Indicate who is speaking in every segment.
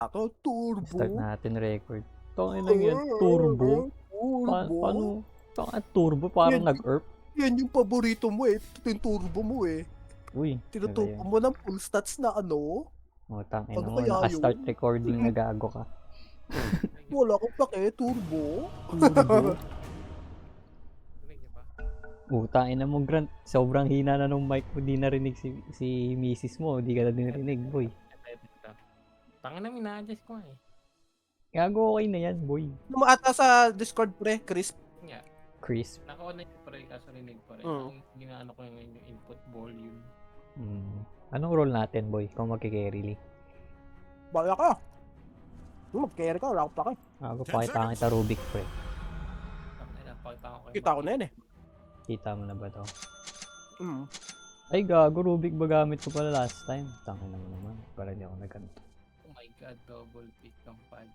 Speaker 1: Ako,
Speaker 2: Start
Speaker 1: turbo.
Speaker 2: natin record. Tangin lang yan, turbo.
Speaker 1: Turbo.
Speaker 2: Paano? Tangin turbo parang
Speaker 1: Yan,
Speaker 2: nag-erp.
Speaker 1: yan yung paborito mo eh. Ito yung turbo mo eh.
Speaker 2: Uy,
Speaker 1: Tinuturbo
Speaker 2: kaya.
Speaker 1: mo ng full stats na ano.
Speaker 2: O, tangin
Speaker 1: Ano
Speaker 2: mo.
Speaker 1: kaya
Speaker 2: Naka-start
Speaker 1: yun?
Speaker 2: recording na gago ka.
Speaker 1: Wala akong pake, turbo.
Speaker 2: Turbo.
Speaker 3: Rinig niyo pa?
Speaker 2: Tangin na mo, Grant. Sobrang hina na nung mic mo. Di narinig si misis mo. Di ka na dinarinig, boy.
Speaker 3: Tangin na, mina-adjust ko eh.
Speaker 2: Gago, okay na yan, boy.
Speaker 1: Ano mo ata sa Discord pre, Chris?
Speaker 3: Nga,
Speaker 2: Crisp.
Speaker 3: naka-on na yung pre, kaso rinig pa rin.
Speaker 1: Mm.
Speaker 3: Ang ginaano ko yung input volume.
Speaker 2: Anong role natin, boy? Kung magkikerry li.
Speaker 1: Bala ka. Mag-carry ka, wala akong pake.
Speaker 2: Ako, pakita kita Rubik, pre.
Speaker 3: Tangin na, pakita ko kayo.
Speaker 1: Kita ko na yun eh.
Speaker 2: Kita mo na ba to?
Speaker 1: Mm.
Speaker 2: Ay, gago, Rubik ba gamit ko pala last time? Tangin naman. Para di ako nagkanto.
Speaker 3: Oh my god, double pick ng punch.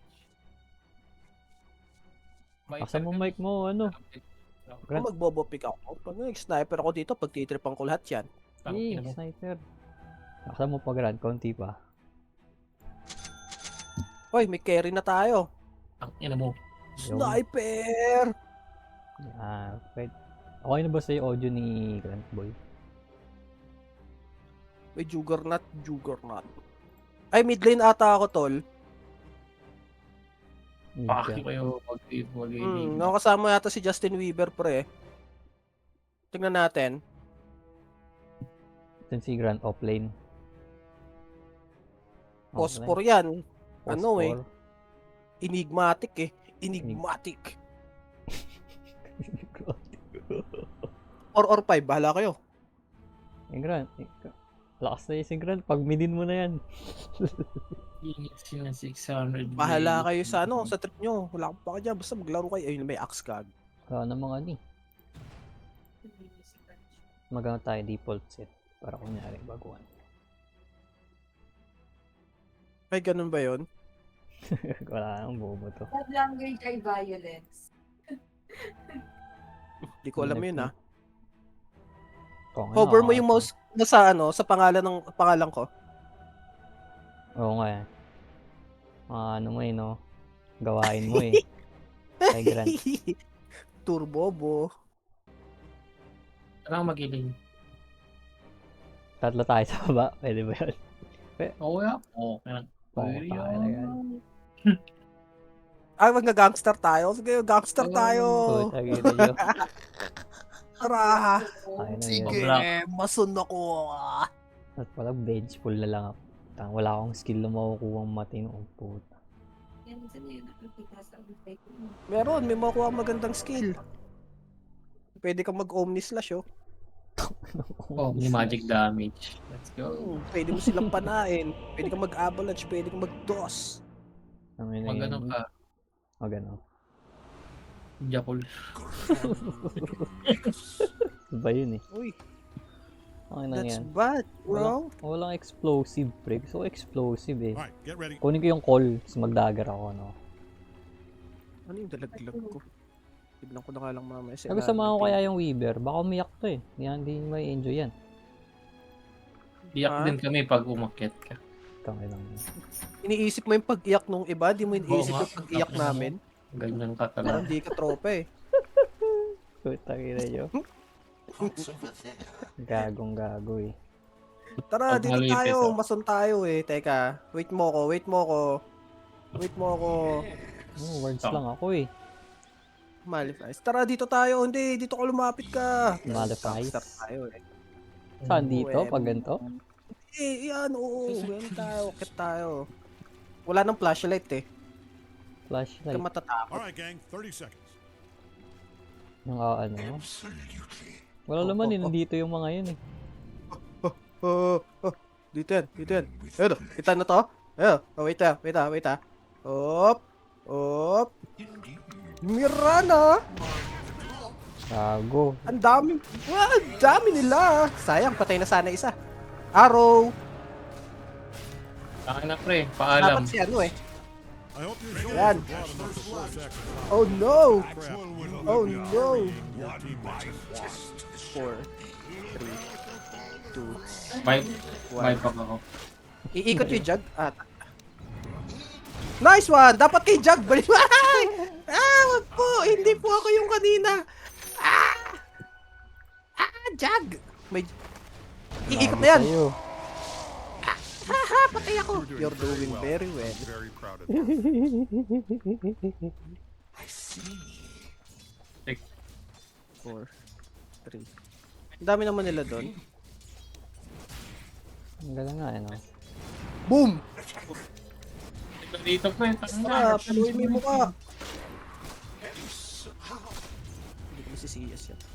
Speaker 2: Asa mo mic mo, ano?
Speaker 1: Kung magbobo pick ako, pag nag-sniper ako dito, pag titripan ko lahat yan.
Speaker 2: Eh, sniper. Asa mo pa, Grant? Konti pa.
Speaker 1: Hoy, may carry na tayo.
Speaker 3: Ang ina mo.
Speaker 1: Sniper!
Speaker 2: Wait. Okay na ba sa'yo audio ni Grant, boy?
Speaker 1: May Juggernaut. Ay, mid lane ata ako, tol.
Speaker 3: Paki kayo mag-gaming.
Speaker 1: Nakasama yata si Justin Weaver, pre. Tingnan natin.
Speaker 2: Ito si Grant offlane.
Speaker 1: Phosphor yan. Ano eh. Enigmatic eh. Enigmatic. 4 or 5, bahala kayo.
Speaker 2: Eh, Grant. Lakas na si Grant. Pag midin mo na yan.
Speaker 3: Init sila 600.
Speaker 1: Bahala kayo sa ano, sa trip nyo. Wala akong paka dyan. Basta maglaro kayo. Ayun, may axe kag.
Speaker 2: Wala namang ano eh. Magano tayo default set. Para kunyari baguhan.
Speaker 1: Ay, ganun ba yun?
Speaker 2: Wala nang bobo to.
Speaker 4: Love language ay violence.
Speaker 1: Di ko alam yun ah.
Speaker 2: Kung ano,
Speaker 1: Hover mo yung mouse nasa ano, sa pangalan ko.
Speaker 2: Oo nga eh. Ano mo eh, no? Gawain mo eh. Ay, Grant.
Speaker 1: Turbobo.
Speaker 3: Saan magiling?
Speaker 2: Tatlo tayo sa baba. Pwede ba yun?
Speaker 3: Oo ya. Oo.
Speaker 2: Pwede yan.
Speaker 1: Ay, mag-gangster tayo. Sige, gangster tayo.
Speaker 2: Puta, gina nyo.
Speaker 1: Tara.
Speaker 2: Ay, na
Speaker 1: Sige,
Speaker 2: yun.
Speaker 1: masun ako.
Speaker 2: At pala, bench full na lang ako. Wala akong skill na makukuha ang matino. Puta.
Speaker 4: Yan din yun nakikita sa buhay ko.
Speaker 1: Meron, may makuha magandang skill. Pwede kang mag-omni slash, oh.
Speaker 3: Oh, may magic damage. Let's go.
Speaker 1: Pwede mo silang panain. Pwede kang mag-avalanche, pwede kang mag-DOS.
Speaker 3: Magano ka.
Speaker 2: Magano.
Speaker 3: Jakul.
Speaker 2: Iba yun eh.
Speaker 1: Uy,
Speaker 2: Okay na
Speaker 1: that's
Speaker 2: yan.
Speaker 1: bad, bro.
Speaker 2: Walang explosive, pre. So explosive eh.
Speaker 5: Alright, get ready.
Speaker 2: Kunin ko yung call. Tapos mag-dagger ako, no?
Speaker 1: Ano yung dalaglag ko? Tignan ko na nga lang mamaya.
Speaker 2: Sabi sama ko kaya yung Weaver. Baka umiyak to eh. Hindi may enjoy yan.
Speaker 3: Iyak din kami pag umakyat ka.
Speaker 2: Tangay lang yun.
Speaker 1: Iniisip mo yung pag-iyak nung iba, di mo iniisip
Speaker 3: Oo nga.
Speaker 1: yung pag-iyak namin.
Speaker 3: Ganyan ka
Speaker 1: Parang
Speaker 3: talaga.
Speaker 1: di ka tropa eh.
Speaker 2: Putang ina nyo. Gagong gago eh.
Speaker 1: Tara,
Speaker 3: Pag
Speaker 1: dito
Speaker 3: malipit,
Speaker 1: tayo.
Speaker 3: oh.
Speaker 1: Masun tayo eh. Teka, wait mo ko.
Speaker 2: Words lang ako eh.
Speaker 1: Malifies. Tara, dito tayo. Hindi, dito ka lumapit ka.
Speaker 2: Malifies?
Speaker 1: Gangster tayo eh.
Speaker 2: Saan dito? Pag ganito?
Speaker 1: Eh, yan, oo. Yan tayo. Kit tayo. Wala nang flashlight eh. Hindi
Speaker 2: Flashlight.
Speaker 1: ka matatakot.
Speaker 5: Alright, gang, 30 seconds.
Speaker 2: Yung ano? Wala naman eh. Nandito yung mga yun eh.
Speaker 1: Dito yan. Ayun, kita na to. Ayun, wait ah. Op. Mirana!
Speaker 2: Gago.
Speaker 1: Ang dami nila. Sayang, patay na sana isa. Arrow.
Speaker 3: Akin na pre, paalam.
Speaker 1: Dapat si ano eh.
Speaker 5: I hope you're sure
Speaker 1: Yan.
Speaker 5: the bottom of the 4 seconds.
Speaker 1: Oh no!
Speaker 5: Crap.
Speaker 1: Oh no!
Speaker 5: Your team makes
Speaker 1: 4, 3, 2,
Speaker 3: May
Speaker 1: 1.
Speaker 3: pag ako.
Speaker 1: Iikot yung jug. Nice one! Dapat kay Jag. Balik mo. Wag po. Hindi po ako yung kanina. Jag! May... Iikot na yan.
Speaker 2: Sa'yo.
Speaker 1: Haha, patay ako. You're doing
Speaker 5: well.
Speaker 1: very well.
Speaker 5: I'm very proud of you.
Speaker 1: 4, 3. Ang dami naman nila doon.
Speaker 2: Ang galing nga, ano.
Speaker 1: Boom!
Speaker 3: Ito dito ko eh.
Speaker 1: Tara, paluin mo yung mukha. Hindi ko masisiyas yan.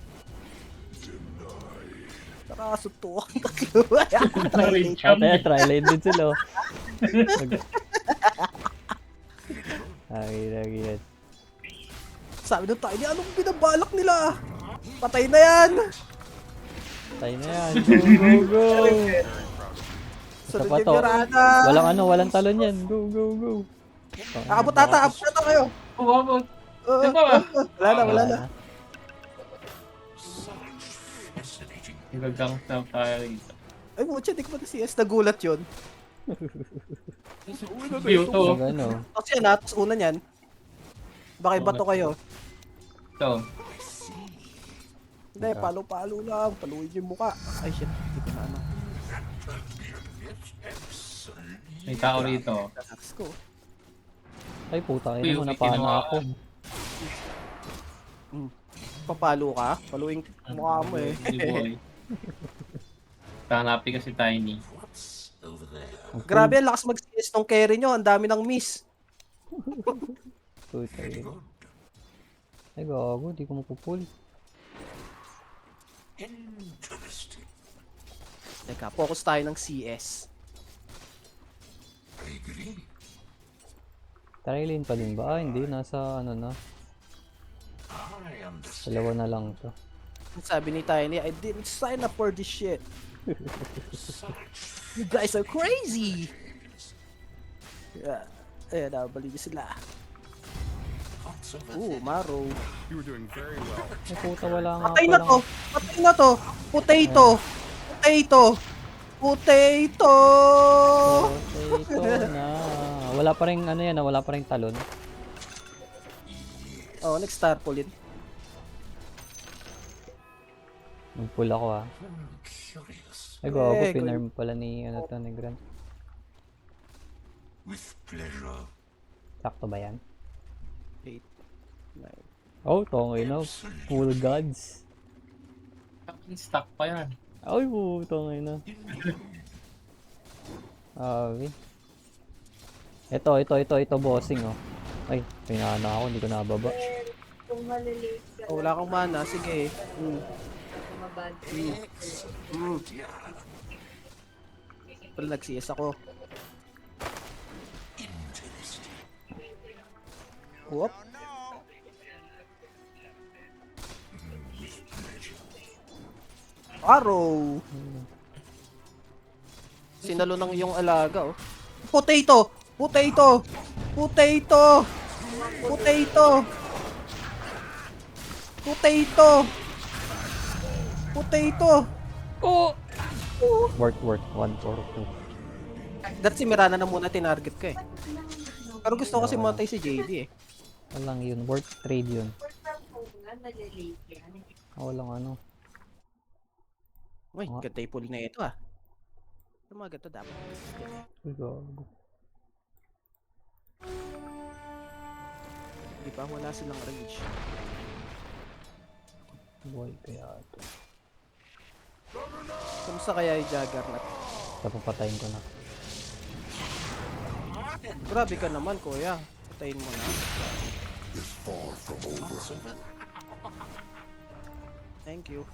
Speaker 1: Tara, sutukan tatlo.
Speaker 2: Try lane din sila. Oh. Lagi.
Speaker 1: Sabi nung tayo, anong binabalak nila? Patay na yan!
Speaker 2: Tayo na yan. Go.
Speaker 1: Sunod
Speaker 2: pa
Speaker 1: yung
Speaker 2: to.
Speaker 1: Mirana.
Speaker 2: Walang talon yan. Go.
Speaker 1: Abot ata kayo.
Speaker 3: Umabot.
Speaker 1: Uh,
Speaker 3: Ito ba?
Speaker 1: Wala na.
Speaker 3: Nagagang na tayo dito.
Speaker 1: Ay, mutya, di ko pa na CS. Nagulat yun.
Speaker 3: View to.
Speaker 2: Ano?
Speaker 1: Tapos yan ha, tapos una niyan. Baka bato kayo.
Speaker 3: Ito.
Speaker 1: Hindi, palo-palo lang. Paluin yung mukha. Ay, shit. Hindi ko na ano.
Speaker 3: May tao rito.
Speaker 1: Relax ko.
Speaker 2: Ay, puta
Speaker 3: Uy,
Speaker 2: kayo mo.
Speaker 3: may
Speaker 2: Napana
Speaker 3: kinuha
Speaker 2: ako.
Speaker 1: Papalo ka? Paluin mukha mo eh.
Speaker 3: Hindi boy. Hanapin kasi Tiny.
Speaker 1: Grabe, ang lakas mag-CS nung carry nyo. Ang dami ng miss.
Speaker 2: Puta yun. Ay, gago. Di ko mapupul.
Speaker 1: Teka, focus tayo ng CS.
Speaker 2: Try lane pa din ba? Hindi. Nasa ano na. Dalawa na lang to.
Speaker 1: Sabi ni Tiny, I didn't sign up for this shit. You guys are crazy! Yeah. Ayan, nabali niyo sila. Maro.
Speaker 5: You were doing very well.
Speaker 2: Ay, puta, wala nga
Speaker 1: Patay na to! Patay na to! Potato! Potato! Potato!
Speaker 2: Potato na. Wala pa rin ano yan, wala pa rin talon.
Speaker 1: Oh, next star pull it.
Speaker 2: Mag-pull ako ah. Ay, gago,
Speaker 1: Eh,
Speaker 2: pinarm pala ni ano to, ni Grant. Sakto ba yan?
Speaker 1: 8, 9.
Speaker 2: Oh, tongay na. Full gods.
Speaker 3: Stuck pa yan.
Speaker 2: Ay, tongay na. Okay. Ito, bossing oh. Ay, pinana ako, hindi ko nababa.
Speaker 4: Kung malilate ka
Speaker 1: Oh, wala kang mana, sige.
Speaker 4: mabad.
Speaker 1: Pero nag-CS ako. Whoop. Arrow. Sinalo ng iyong alaga, oh. Potato! Potato! Potato! Potato! Potato! Potato!
Speaker 2: Oh! Work. 142.
Speaker 1: That's si Mirana na muna tinarget ko eh. Pero gusto ko kasi matay si JD eh.
Speaker 2: Walang yun. Work trade yun.
Speaker 4: Malilate yan.
Speaker 2: Walang ano.
Speaker 1: Uy,
Speaker 2: Ah.
Speaker 1: ganda yung pull na ito ah. Yung mga ganito dapat.
Speaker 2: Ay, gago.
Speaker 1: Di ba wala silang rage.
Speaker 2: Boy, kaya ito.
Speaker 1: Kumusta kaya yung Juggernaut?
Speaker 2: Papapatayin ko na.
Speaker 1: Grabe ka naman kuya. Patayin mo na. Thank you.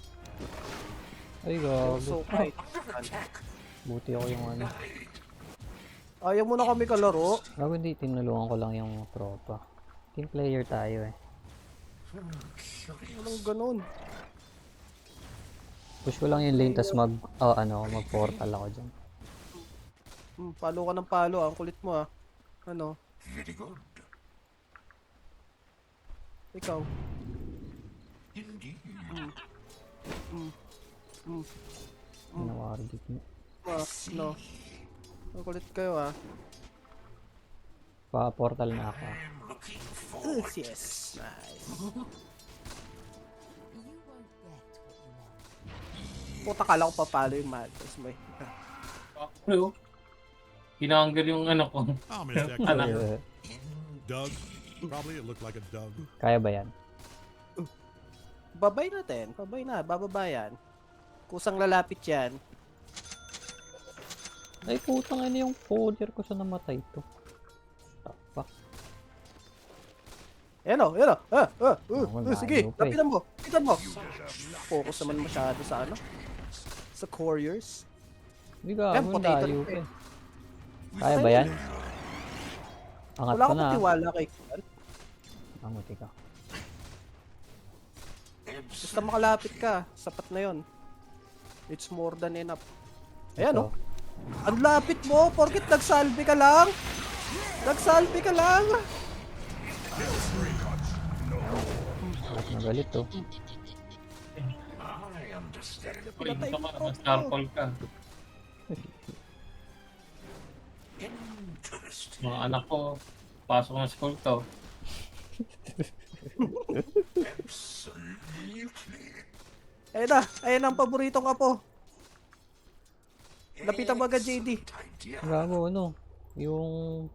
Speaker 2: Ay, gago.
Speaker 1: So right.
Speaker 2: Buti ako yung ano.
Speaker 1: Ayaw mo na kami kalaro.
Speaker 2: Gago, hindi. Tinulungan ko lang yung tropa. Team player tayo eh.
Speaker 1: Walang ganun.
Speaker 2: Push ko lang yung lane, tas mag-portal ako dyan.
Speaker 1: Palo ka ng palo. Ang kulit mo ah. Ano? Ikaw.
Speaker 2: Nawargit mo.
Speaker 1: No. Ang kulit kayo ah.
Speaker 2: Pa-portal na ako.
Speaker 1: Yes. Nice. Puta, kala ko papalo yung Madness mo eh.
Speaker 3: Bro, hinanggal yung ano ko.
Speaker 5: I'll miss that
Speaker 3: Anak.
Speaker 5: career. Doug. Probably it looked like a Doug.
Speaker 2: Kaya ba yan?
Speaker 1: Babay natin. Babay na. Bababa yan. Kusang lalapit yan.
Speaker 2: Ay, putang ina yung folder ko sa namatay to. Fuck.
Speaker 1: Ayan o. Ayan o.
Speaker 2: Wala,
Speaker 1: Sige.
Speaker 2: ayaw pa eh.
Speaker 1: Lapitan mo. Lapitan mo. Focus naman masyado sa ano. Sa couriers.
Speaker 2: Hindi ka,
Speaker 1: Ayan,
Speaker 2: ang
Speaker 1: potato
Speaker 2: layo
Speaker 1: pa
Speaker 2: pa
Speaker 1: eh.
Speaker 2: eh. Kaya ba yan? Angat
Speaker 1: Wala
Speaker 2: ko
Speaker 1: akong
Speaker 2: na.
Speaker 1: tiwala kay Kuan.
Speaker 2: Anguti ka.
Speaker 1: Basta makalapit ka. Sapat na yon. It's more than enough. Ayan o.
Speaker 2: Ito.
Speaker 1: Ang lapit mo. Porkit nagsalbi ka lang. Nagsalbi ka lang.
Speaker 2: Galit na galit to.
Speaker 3: Uy, dito ka, mag-starfall ka. Mga anak ko, pasok ng school to.
Speaker 1: Ayan na. Ayan ang paboritong apo. Lapitan mo agad, JD.
Speaker 2: Gago, ano? Yung...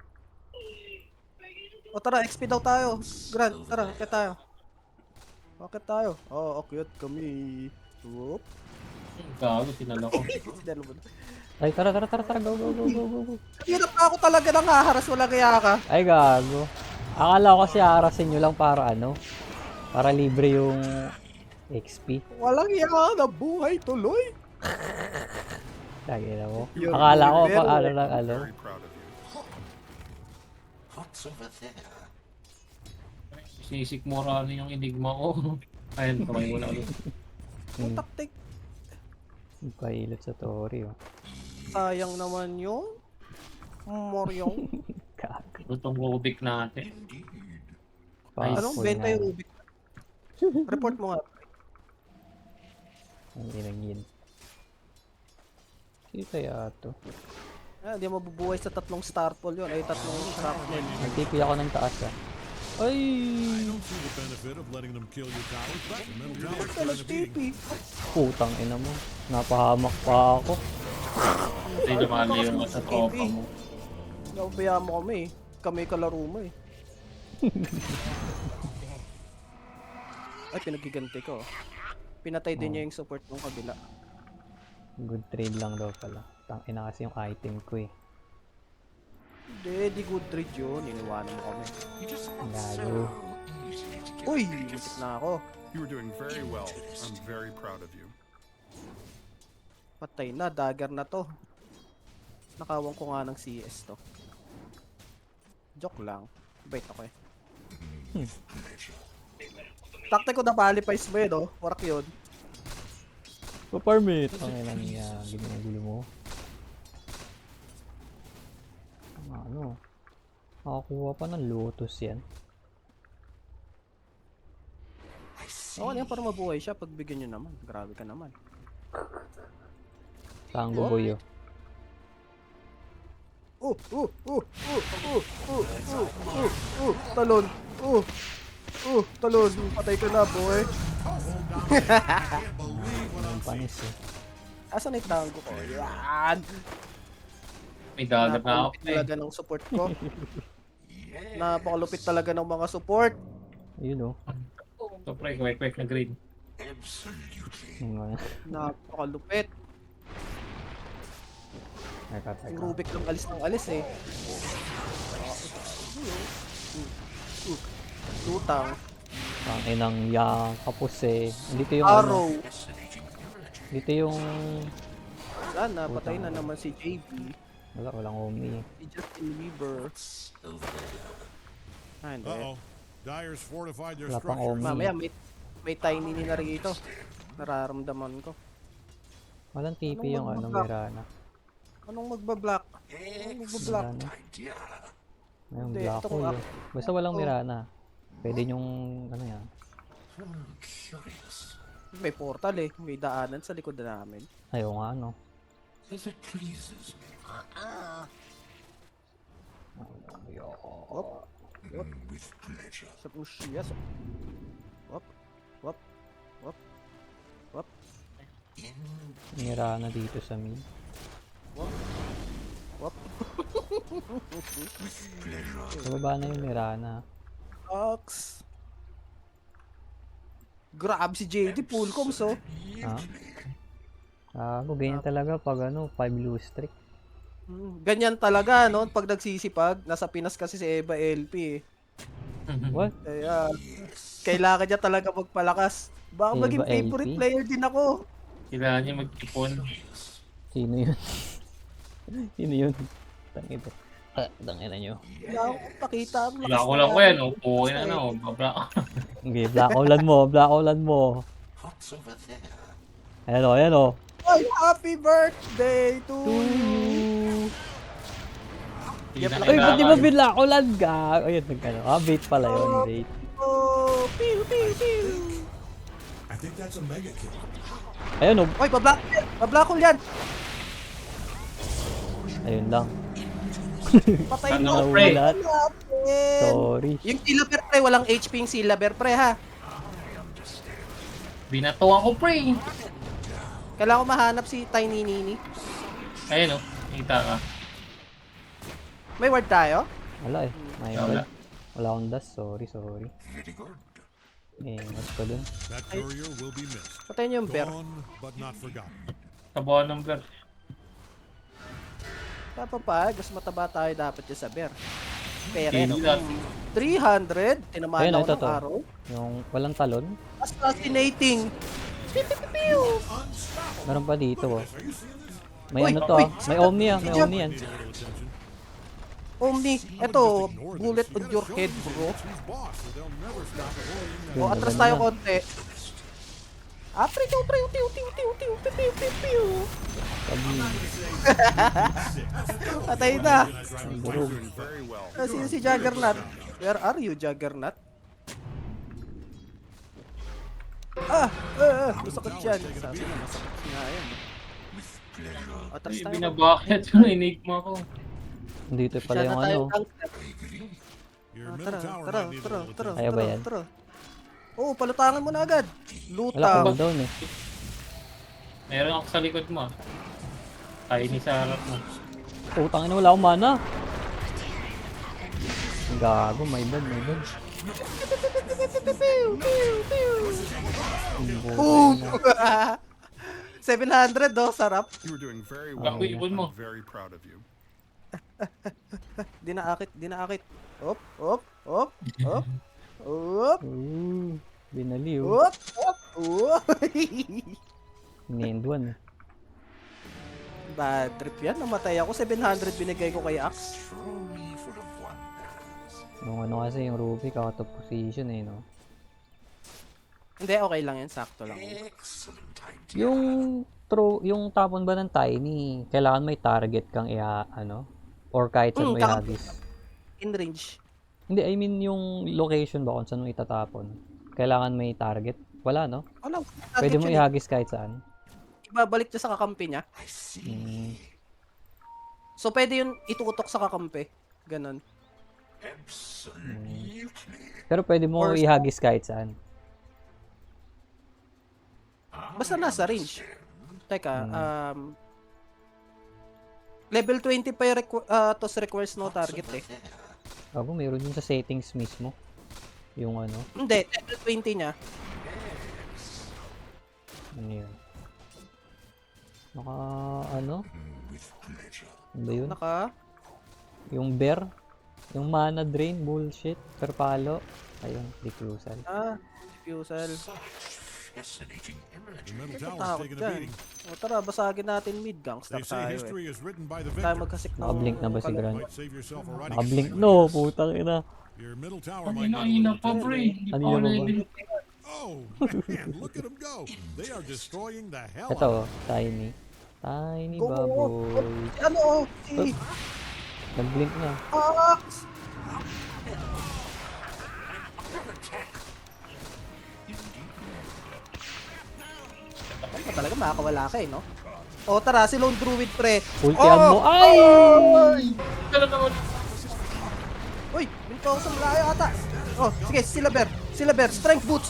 Speaker 1: O tara, XP daw tayo. Grant, tara, akit tayo. Akit tayo. Oo, akyat kami. Whoop.
Speaker 3: Gago, sinala ko.
Speaker 1: Sinalo mo na.
Speaker 2: Ay, tara, tara, tara, tara, go, go, go, go, go, go.
Speaker 1: Hirap na ako talaga nang haharas. Wala kaya ka.
Speaker 2: Ay, gago. Akala ko kasi harasin nyo lang para ano? Para libre yung XP.
Speaker 1: Walang iya ka na buhay tuloy.
Speaker 2: Lagi na mo.
Speaker 1: Yun,
Speaker 2: Akala ko
Speaker 1: pero-
Speaker 2: pa ano lang ano.
Speaker 5: Very proud of you.
Speaker 3: Sisikmura yung enigma ko. Ayun, kamay mo na ulit.
Speaker 1: Ang taktik.
Speaker 2: Pailot sa Tori, oh.
Speaker 1: Sayang naman yun. Moryong.
Speaker 2: Gago.
Speaker 3: Lutong Rubik natin.
Speaker 1: Anong
Speaker 2: Full
Speaker 1: benta
Speaker 2: na.
Speaker 1: yung Rubik? Report mo nga.
Speaker 2: Ang inagin. Sino kaya to?
Speaker 1: Ah, hindi mabubuhay sa tatlong starfall yun. Ay, tatlong shrapnel.
Speaker 2: Nagtipi ako ng taas, ah. Ay!
Speaker 5: I don't see the benefit of letting them kill your towers, but the middle tower's
Speaker 1: Kaya
Speaker 5: trying to beat it.
Speaker 1: nag-TP.
Speaker 2: Putang ina mo. Napahamak pa ako.
Speaker 3: Hindi lumali yung sa tropa mo.
Speaker 1: Naubaya mo kami eh. Kami kalaro mo eh. Ay, pinagiganti ko. Pinatay din niya yung support ng kabila.
Speaker 2: Good trade lang daw pala. Tangina kasi yung item ko eh.
Speaker 1: Hindi, di good trade yun. Iniwanan mo kami.
Speaker 2: Gago.
Speaker 1: Uy, muntik na ako.
Speaker 5: You were doing very well. I'm very proud of you.
Speaker 1: Patay na, dagger na to. Nakawang ko nga ng CS to. Joke lang. Bait ako eh. Takte ko na palipais mo yun, oh. Warak yun.
Speaker 2: Pa-permit! Ang ina niya. Ginugulo mo. Ano? Makakuha pa ng lotus yan.
Speaker 1: Oo, yan para mabuhay siya. Pagbigyan nyo naman. Grabe ka naman.
Speaker 2: Tango boy, oh.
Speaker 1: Talon. Talon. Patay ka na, boy.
Speaker 2: Ang panis, eh.
Speaker 1: Asan na yung tango ko? Yan!
Speaker 3: May dagat na ako
Speaker 1: Napakalupit
Speaker 3: eh.
Speaker 1: talaga ng support ko. Napakalupit talaga ng mga support.
Speaker 2: Ayun, oh.
Speaker 3: So, pre, kwek na green.
Speaker 2: Yung,
Speaker 1: Napakalupit. Yung Rubik lang alis ng alis eh. Lutang.
Speaker 2: ang inang yang kapos, eh. Dito yung
Speaker 1: Arrow.
Speaker 2: ano. Dito yung...
Speaker 1: Wala na, patay na naman si JB.
Speaker 2: Walang umi.
Speaker 1: Si Justin Bieber. Ah, hindi.
Speaker 5: Uh-oh. Dyer's fortified their
Speaker 2: Wala pang
Speaker 5: structures.
Speaker 2: omi.
Speaker 1: Mamaya may tiny ni na rito. Nararamdaman ko.
Speaker 2: Walang TP yung ano, Mirana.
Speaker 1: Anong magbablock? Anong magbablock?
Speaker 2: Mirana. May
Speaker 1: Hindi,
Speaker 2: black
Speaker 1: ito
Speaker 2: hole,
Speaker 1: kung
Speaker 2: eh. Basta walang Mirana. Pwede yung ano yan.
Speaker 1: May portal eh. May daanan sa likod na namin.
Speaker 2: Ayaw nga, ano. Ayaw.
Speaker 1: Wop. Wop. Sa pushya. Wop. Wop. Wop. Wop.
Speaker 2: Nira na dito sa mid.
Speaker 1: Wop.
Speaker 2: Sa baba na yung Mirana.
Speaker 1: Ox. Grab si JD. Full coms oh.
Speaker 2: Ha? Ganyan talaga pag 5 lose streak.
Speaker 1: Ganyan talaga, no? Pag nagsisipag, nasa Pinas kasi si Eva LP eh.
Speaker 2: What?
Speaker 1: Kaya, kailangan niya talaga magpalakas. Baka
Speaker 2: Eva
Speaker 1: maging favorite
Speaker 2: LP?
Speaker 1: player din ako.
Speaker 3: Kailangan niya mag-ipon.
Speaker 2: Sino yun? Sino yun? Tangina. Tangina nyo.
Speaker 1: Wala akong pakita ang lakas
Speaker 3: Wala ko
Speaker 1: na
Speaker 3: lang ko yan.
Speaker 1: natin.
Speaker 3: Upuin na na. Babla.
Speaker 2: Okay, black outland mo. Black outland mo. Ayan o, ayan o.
Speaker 1: Ay, happy birthday to
Speaker 2: To
Speaker 1: you.
Speaker 2: you.
Speaker 3: Hindi na
Speaker 2: Ay, ba't di ba
Speaker 3: kailangan.
Speaker 2: black outland ka? Ayun, nagkano. Bait pala yun, bait.
Speaker 1: Oh, pew, pew, pew.
Speaker 5: I think that's a mega kill.
Speaker 2: Ayun o.
Speaker 1: Oy, bablack ko yan.
Speaker 2: Ayun lang.
Speaker 1: Patay
Speaker 3: Ano,
Speaker 1: mo.
Speaker 3: pre?
Speaker 2: Nahulat.
Speaker 1: Natin.
Speaker 2: Sorry.
Speaker 1: Yung Silaber pre, walang HP yung Silaber pre ha.
Speaker 3: Binatuan ko, pre.
Speaker 1: Kailangan ko mahanap si Tiny Nini.
Speaker 3: Ayun, oh. Kita ka.
Speaker 1: May word tayo?
Speaker 2: Wala eh. My
Speaker 3: Wala.
Speaker 2: bad. Wala akong dash. Sorry, sorry. Mas ko dun.
Speaker 5: That courier will be missed.
Speaker 1: Patay niyo yung bear.
Speaker 5: Gone, but not forgotten.
Speaker 3: Kabuhan ng bear.
Speaker 1: Kapapag, mas mataba tayo dapat yung sa bear. Pero
Speaker 3: Hindi
Speaker 1: no,
Speaker 3: dati.
Speaker 1: 300, tinamaan
Speaker 2: Ayun,
Speaker 1: ako
Speaker 2: ito
Speaker 1: ng
Speaker 2: to.
Speaker 1: araw.
Speaker 2: Yung walang talon.
Speaker 1: Assassinating! Pew, pew, pew, pew.
Speaker 2: Meron pa dito oh. May
Speaker 1: Uy,
Speaker 2: ano to
Speaker 1: uy.
Speaker 2: May Omni ah. May Omni yan.
Speaker 5: Need a little attention.
Speaker 1: Omni, eto, bullet on your head bro.
Speaker 5: He's boss, so they'll never stop avoiding
Speaker 1: O, atras tayo konti. Pre, tiw, tiw, tiw, tiw, tiw, tiw, tiw, tiw, tiw, tiw. Patay na. Sino si Juggernaut? Where are you, Juggernaut? Masakit yan. Sabi na, masakit nga yan. Atras
Speaker 3: Ay,
Speaker 1: tayo.
Speaker 3: binabakit yung enigma ko.
Speaker 2: Dito pala
Speaker 1: Masyado
Speaker 2: yung
Speaker 1: tayo
Speaker 2: ano.
Speaker 1: gangster.
Speaker 5: Your
Speaker 1: Ah,
Speaker 5: middle
Speaker 1: Tara,
Speaker 5: tower
Speaker 1: tara,
Speaker 5: might need a
Speaker 1: tara,
Speaker 5: little
Speaker 1: tara,
Speaker 5: attention.
Speaker 2: Kaya ba
Speaker 1: tara,
Speaker 2: yan?
Speaker 1: tara. Oo, palutangan mo na agad.
Speaker 2: Wala
Speaker 1: Luta.
Speaker 2: cooldown eh.
Speaker 3: Meron ako sa likod mo. Tayo ni sa harap mo.
Speaker 2: Utang ina, wala akong mana. Gago, my bad, my bad.
Speaker 1: Boom! 700 do, sarap.
Speaker 6: You were doing very
Speaker 3: Bako
Speaker 6: well.
Speaker 3: ibon mo.
Speaker 6: I'm very proud of you.
Speaker 1: Di naakit, di naakit. Op, op, op, op. Op,
Speaker 2: Ooh, binaliw.
Speaker 1: op, op, op.
Speaker 2: Ni-end one eh.
Speaker 1: Bad trip yan. Namatay ako. 700 binigay ko kay Axe.
Speaker 2: Yung ano kasi yung Ruby, out of position eh, no?
Speaker 1: Hindi, okay lang yan. Sakto lang.
Speaker 2: Yung yung tapon ba ng Tiny, kailangan may target kang ano? Or kahit saan mo ihagis.
Speaker 1: In range.
Speaker 2: Hindi, I mean yung location ba kung saan mo itatapon. Kailangan may target. Wala, no?
Speaker 1: Wala.
Speaker 2: Pwede mo ihagis kahit saan.
Speaker 1: Ibabalik niya sa kakampi niya.
Speaker 2: Mm.
Speaker 1: So, pwede yun ituutok sa kakampi. Ganon.
Speaker 2: Pero pwede mo
Speaker 1: Or-
Speaker 2: ihagis kahit saan.
Speaker 1: Basta nasa range. Teka, level 20 pa yung toss requires no target eh.
Speaker 2: Ako, meron yun sa settings mismo. Yung ano,
Speaker 1: Hindi, level 20 niya.
Speaker 2: ano yun. Ano ba yun? Yung bear? Yung mana drain, bullshit, perpalo. Ayun, reclusal.
Speaker 1: Diffusal.
Speaker 5: Your middle tower's
Speaker 1: Takot
Speaker 5: taking a
Speaker 1: dyan.
Speaker 5: beating.
Speaker 1: O tara, basagin natin mid.
Speaker 5: They
Speaker 1: Gangster
Speaker 5: say
Speaker 1: tayo eh.
Speaker 5: history is written by the
Speaker 1: Tayo
Speaker 5: victor.
Speaker 1: magkasik ng...
Speaker 2: Nakablink na ba si Gran?
Speaker 5: Might save yourself a running
Speaker 2: Nakablink,
Speaker 5: start.
Speaker 2: no, putang ina.
Speaker 5: Your middle tower
Speaker 3: Ang
Speaker 5: might need a
Speaker 3: ina
Speaker 5: little
Speaker 3: pa,
Speaker 5: attention.
Speaker 3: pre. Hindi
Speaker 2: Ano
Speaker 3: pa ako
Speaker 2: yun,
Speaker 3: nalilito.
Speaker 5: Oh, man, look at them go. They are destroying the hell out
Speaker 2: Ito,
Speaker 5: of
Speaker 2: Tiny. Tiny
Speaker 1: Go, go, go.
Speaker 2: baboy.
Speaker 1: Ano? Si
Speaker 2: Nag-blink na.
Speaker 1: Axe! Ano talaga makakawala ka eh, no? O tara, si Lone Druid pre.
Speaker 2: Ultian mo. Ay!
Speaker 3: Talaga mo.
Speaker 1: Uy, binto ako sa malayo ata. Oh, sige, sila bear, strength boots.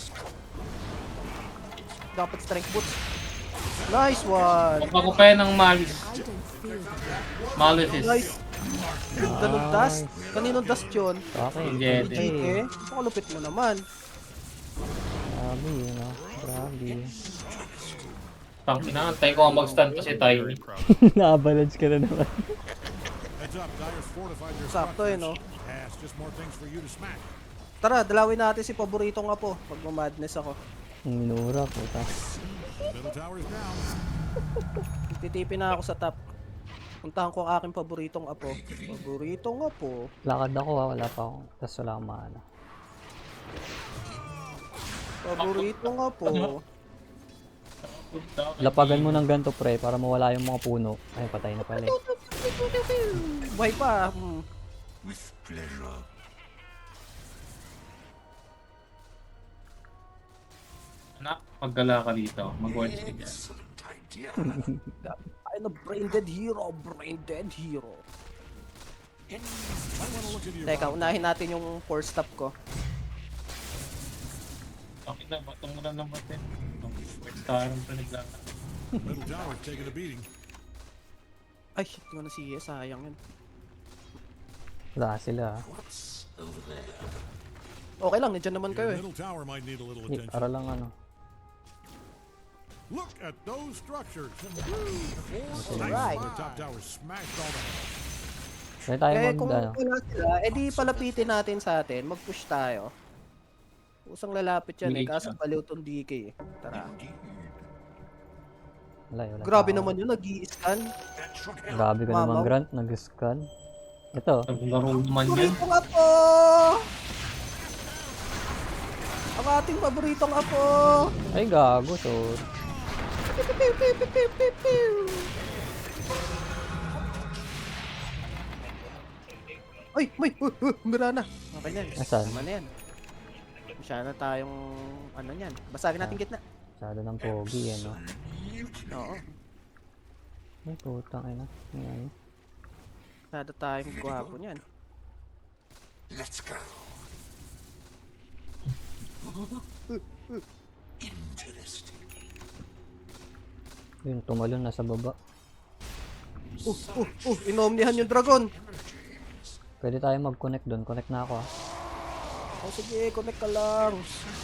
Speaker 1: Dapat strength boots. Nice one.
Speaker 3: Huwag ako pa yan ng Malice. Malice.
Speaker 1: Nice. Ganun dust. Kaninong dust yun?
Speaker 2: Okay.
Speaker 3: Yeah,
Speaker 1: Eh, pakalupit mo naman.
Speaker 2: Grabe yun, no? Grabe.
Speaker 3: Tangina, antay ko ang mag-stand pa si Tiny.
Speaker 2: Na-avalanche ka na naman.
Speaker 5: Heads up, Dyer's fortified their
Speaker 1: Sakto eh, no?
Speaker 5: Pass, just more things for you to smack.
Speaker 1: Tara, dalawin natin si paboritong apo. Pag madness ako.
Speaker 2: Ang minura, puta.
Speaker 5: Middle tower's down.
Speaker 1: Titipin na ako sa top. Puntahan ko ang aking paboritong apo. Paboritong apo.
Speaker 2: Lakad ako ha, wala pa ako. Tapos wala akong mana.
Speaker 1: Paboritong apo.
Speaker 2: Lapagan mo ng ganito pre, para mawala yung mga puno. Ay, patay na pala eh.
Speaker 1: Buhay pa.
Speaker 3: Anak, maggala ka dito. Mag-watch ka dyan.
Speaker 1: I'm a brain dead hero. Brain dead hero.
Speaker 5: I want to look into your
Speaker 1: Teka, unahin natin yung 4 stop ko.
Speaker 3: Okay na, batong mo lang ng batin. Star ang paniglala.
Speaker 5: middle tower's taking a beating.
Speaker 1: Ay, shit ko na siya. Sayang yun.
Speaker 2: Wala sila ha.
Speaker 1: Okay lang, nandiyan naman kayo
Speaker 5: Your
Speaker 1: eh.
Speaker 5: middle tower might need a little
Speaker 2: Hindi,
Speaker 5: attention.
Speaker 2: para lang ano.
Speaker 5: Look at those structures. Four
Speaker 1: Right.
Speaker 5: The top tower smashed all that.
Speaker 2: Pwede tayo
Speaker 1: Eh, kung
Speaker 2: ano.
Speaker 1: wala sila, edi palapitin natin sa atin. Mag-push tayo. Usang lalapit yan eh,
Speaker 3: Engage
Speaker 1: kaso
Speaker 3: na.
Speaker 1: baliw tong DK eh. Tara.
Speaker 2: Wala
Speaker 1: Grabe
Speaker 2: tao.
Speaker 1: naman yun, nag-i-scan.
Speaker 2: Grabe ka naman
Speaker 1: Mamaw.
Speaker 2: Grant, nag-scan. Ito,
Speaker 3: Naglaro naman yan.
Speaker 1: Paboritong apo! Ang ating paboritong apo!
Speaker 2: ay gago, so
Speaker 1: Ay, may! Mira na! Okay na yan.
Speaker 2: Asan?
Speaker 1: Tama na yan. Masyado na tayong ano yan. Basagin natin gitna.
Speaker 2: masyado ng pogi eh, no?
Speaker 1: Oo.
Speaker 2: Ay, putang ina. Ayan.
Speaker 1: Masyado tayong gwapo niyan.
Speaker 2: Yun, tumalon na sa baba.
Speaker 1: Inomnihan yung dragon!
Speaker 2: Pwede tayo mag-connect doon. Connect na ako ah.
Speaker 1: Oh, sige, connect ka lang.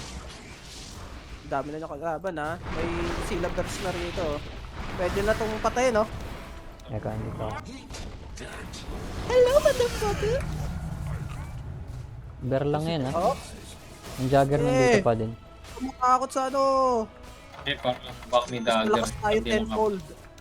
Speaker 1: Dami na niya kalaban ha. May sila burst na rito. Pwede na tong patay, no?
Speaker 2: Eka, hindi pa.
Speaker 1: Hello, motherfucker!
Speaker 2: Bear lang yan ah.
Speaker 1: Oh,
Speaker 2: Yung Jagger nandito pa din.
Speaker 1: kumakakot sa ano.
Speaker 3: Eh, parang back ni
Speaker 1: Mas
Speaker 3: Dagger.
Speaker 1: malakas tayo
Speaker 3: Hindi naman.
Speaker 1: tenfold.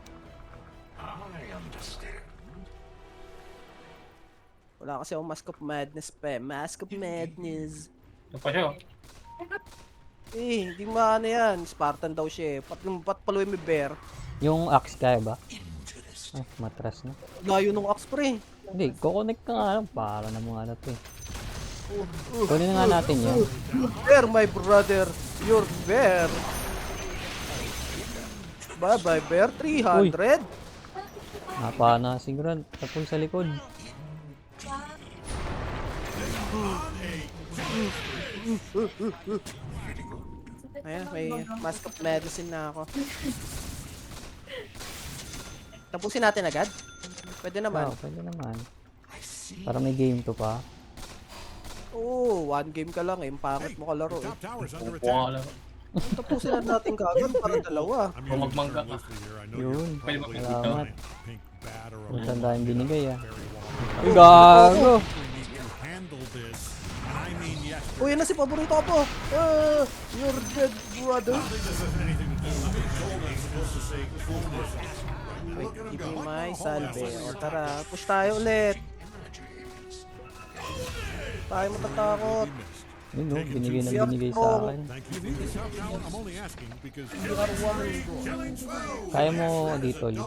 Speaker 1: Wala kasi akong Mask of Madness pa eh. Mask of Madness.
Speaker 3: Ito pa siya. Oh.
Speaker 1: Eh, hindi maano yan. Spartan daw siya eh. Pat paluin may bear.
Speaker 2: Yung axe kaya ba? Ay, matras na.
Speaker 1: Layo nung axe pre.
Speaker 2: Hindi, kukonect ka nga lang. Para na mga ano to eh. Kunin na nga natin yan.
Speaker 1: Bear, my brother. You're bear. Bye bye bear. 300.
Speaker 2: Napana si Grant. Tapos sa likod.
Speaker 1: Ayan, may Mask of Medicine na ako. Tapusin natin agad? Pwede naman.
Speaker 2: Wow, pwede naman. Para may game to pa.
Speaker 1: Oo, one game ka lang eh. Ang pangit mo kalaro eh.
Speaker 5: Top tower's under
Speaker 3: Upo ka
Speaker 5: attack.
Speaker 3: lang.
Speaker 1: Tapusin na natin kagad para dalawa.
Speaker 5: I'm
Speaker 3: Kung
Speaker 5: using
Speaker 3: magmangga
Speaker 5: term
Speaker 3: ka.
Speaker 5: loosely here. I know
Speaker 2: Yun.
Speaker 5: you're
Speaker 3: Pwede
Speaker 5: probably
Speaker 3: makikita.
Speaker 2: Salamat.
Speaker 5: pink bat or a
Speaker 2: Kung
Speaker 5: little
Speaker 2: saan tayong binigay ah.
Speaker 5: very long.
Speaker 2: Ay, gago!
Speaker 5: We need to handle this. And I mean yes.
Speaker 1: Uy, yan na si paborito ko po. You're dead, brother. Wait, give me my salve. O tara, push tayo ulit. Tayo matatakot.
Speaker 2: Yun no, binigay na binigay sa akin.
Speaker 5: Thank you. Top tower, I'm only asking because
Speaker 1: We are one.
Speaker 2: Kaya mo dito, Lee.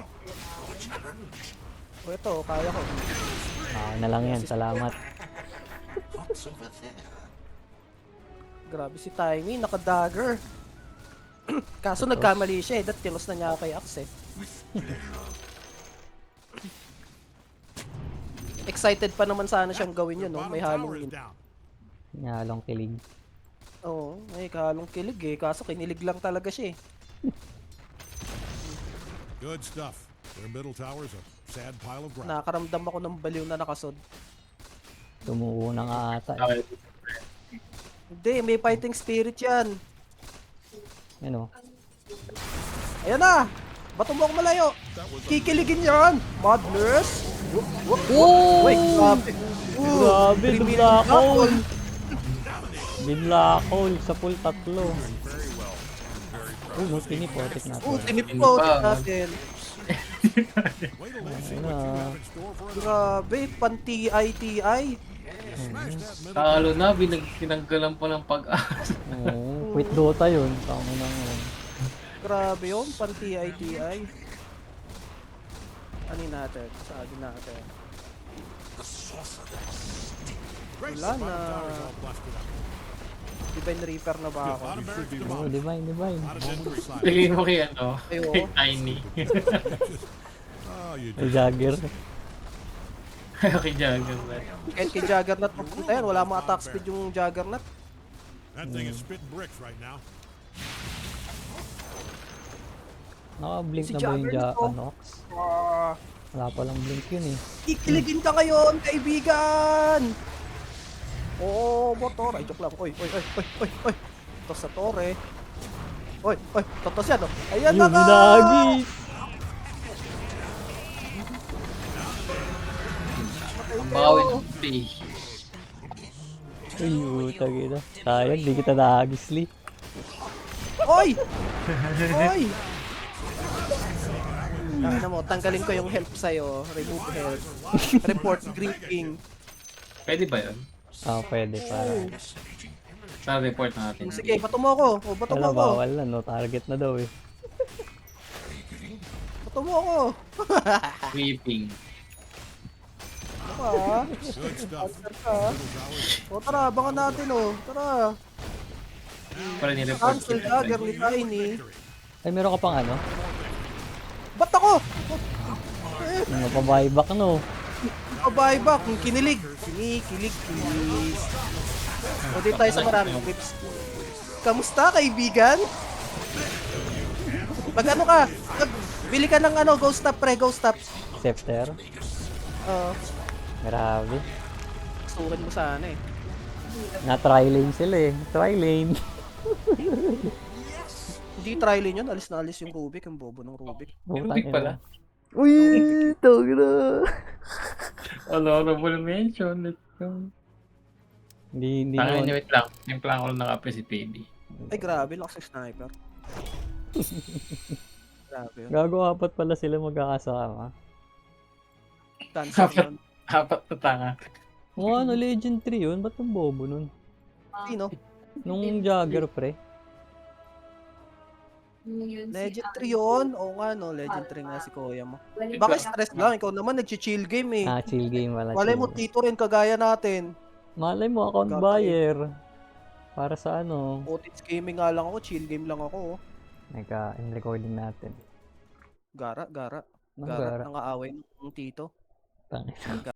Speaker 1: O ito, kaya ko.
Speaker 2: Na lang yan, salamat.
Speaker 1: Grabe si Tiny, naka-dagger. Kaso nagkamali siya eh. Dat tilos na niya ako kay Axe eh. excited pa naman sana siyang gawin yun,
Speaker 5: Their
Speaker 1: no?
Speaker 5: bottom
Speaker 1: May
Speaker 5: tower
Speaker 1: halong
Speaker 5: is
Speaker 1: yun.
Speaker 5: down.
Speaker 2: Nyalong kilig.
Speaker 1: Oo, may halong kilig eh. Kaso kinilig lang talaga siya eh.
Speaker 5: Good stuff. Their middle tower's a sad pile of ground.
Speaker 1: Nakakaramdam ako ng baliw na nakasod.
Speaker 2: Tumuo na nga ata. Eh.
Speaker 3: Okay.
Speaker 1: Hindi, may fighting spirit yan.
Speaker 2: Ano?
Speaker 1: Ayan na! Bato mo ako malayo! Kikiligin yan! Madness!
Speaker 2: Oh!
Speaker 1: Wait, grabe.
Speaker 2: Grabe,
Speaker 1: Three minute
Speaker 2: binlakol.
Speaker 1: knockout.
Speaker 2: Binlakol sa full tatlo. Oh, tinipotik natin.
Speaker 1: Tinipot
Speaker 3: Tinipad.
Speaker 1: natin.
Speaker 5: Wait till they see
Speaker 2: Ayun
Speaker 5: what you
Speaker 2: na.
Speaker 5: have in store for us.
Speaker 1: Grabe, pan-TI-TI.
Speaker 5: Smash that middle
Speaker 3: Talo na, tinanggalan pa ng pag-asa.
Speaker 2: Oo, quit Dota yun. Tama na yun.
Speaker 1: Grabe yun, pan-TI-TI. Ano natin? Sabi natin.
Speaker 5: Grace,
Speaker 1: Wala
Speaker 5: the bottom
Speaker 1: na.
Speaker 5: tower's all busted up.
Speaker 1: Divine Reaper na ba ako?
Speaker 5: Bottom barracks
Speaker 2: Oo,
Speaker 5: demolished.
Speaker 2: divine, divine.
Speaker 5: Not a dead side.
Speaker 3: Tingin mo kay ano,
Speaker 1: Ayo.
Speaker 3: kay Tiny.
Speaker 5: Oh, you
Speaker 2: May
Speaker 5: just
Speaker 2: Jagger.
Speaker 3: Kay Jagger na.
Speaker 1: Kahit kay Juggernaut pupunta yan, wala mga attack speed yung Juggernaut.
Speaker 5: that thing is spitting bricks right now.
Speaker 2: Naka-blink
Speaker 1: Si
Speaker 2: na ba yung
Speaker 1: Jagger nito.
Speaker 2: Nox?
Speaker 1: Ah,
Speaker 2: Wala palang blink yun eh.
Speaker 1: kikiligin ka ngayon, kaibigan! Oo, motor. Ay, joke lang. Oy, oy, oy, oy, oy, oy. Ito sa torre. Oy, oy, totos yan, oh. Ayan na
Speaker 2: Yung
Speaker 1: ka!
Speaker 2: hinagis!
Speaker 3: Ang bawi ng pay.
Speaker 2: Uy, utang ina. Sayang, di kita nahagis, Lee.
Speaker 1: Oy! Oy! Ano mo, tanggalin ko yung help sa'yo. Remove help. Report griefing.
Speaker 3: Pwede ba yun?
Speaker 2: Ah, pwede para.
Speaker 3: Sa report natin.
Speaker 1: Sige, bato mo ako. O, bato mo
Speaker 2: Wala,
Speaker 1: ako.
Speaker 2: bawal na, no? Target na daw eh.
Speaker 1: Bato mo ako.
Speaker 3: Sweeping.
Speaker 1: Ano ka, ha?
Speaker 5: Good stuff.
Speaker 1: Answer ka, ha? O, tara, abangan natin, o. Tara.
Speaker 3: Para ni-report
Speaker 1: Cancel dagger ni Tiny.
Speaker 2: Ay, meron ka pang ano?
Speaker 1: Ba't ako?
Speaker 2: Ano pa buyback, no?
Speaker 1: Buyback, kinilig. Kinikilig, please. O, di tayo sa maraming clips. Kamusta, kaibigan? Mag ano ka? Bili ka ng ano, ghost tap, pre, ghost tap.
Speaker 2: Scepter. Grabe.
Speaker 1: Sukin mo sana eh.
Speaker 2: Na-try lane sila eh. Try lane.
Speaker 1: Hindi try lane yun, alis na alis yung Rubik, yung bobo ng Rubik.
Speaker 3: Rubik pala.
Speaker 2: Uy, tawag na.
Speaker 3: Honorable mention. Let's go.
Speaker 2: Hindi
Speaker 3: Tangan
Speaker 2: naman.
Speaker 3: niya, wait lang. Yung plan ko lang nakape si PD.
Speaker 1: Ay grabe, lakas ng sniper. Grabe yun.
Speaker 2: Gago, apat pala sila magkakasama.
Speaker 1: Cancel yun.
Speaker 3: Apat na tanga.
Speaker 2: O ano, Legend 3 yun? Ba't ang bobo nun?
Speaker 1: Sino?
Speaker 2: Nung Jagger, pre.
Speaker 1: Legend 3 yun? Oo nga no, Legend 3 nga si Kuya mo.
Speaker 4: Balik
Speaker 1: Bakit stress lang? Ikaw naman nag-chill game eh.
Speaker 2: Ah, chill game wala.
Speaker 1: Malay mo,
Speaker 2: chill.
Speaker 1: tito rin kagaya natin.
Speaker 2: Malay mo, account
Speaker 1: Gagawin.
Speaker 2: buyer. Para sa ano.
Speaker 1: Otis gaming nga lang ako, chill game lang ako. Oh.
Speaker 2: Recording natin.
Speaker 1: Gara, gara.
Speaker 2: Nang
Speaker 1: Gara,
Speaker 2: gara.
Speaker 1: nangaaway ng tito.
Speaker 2: Tangina.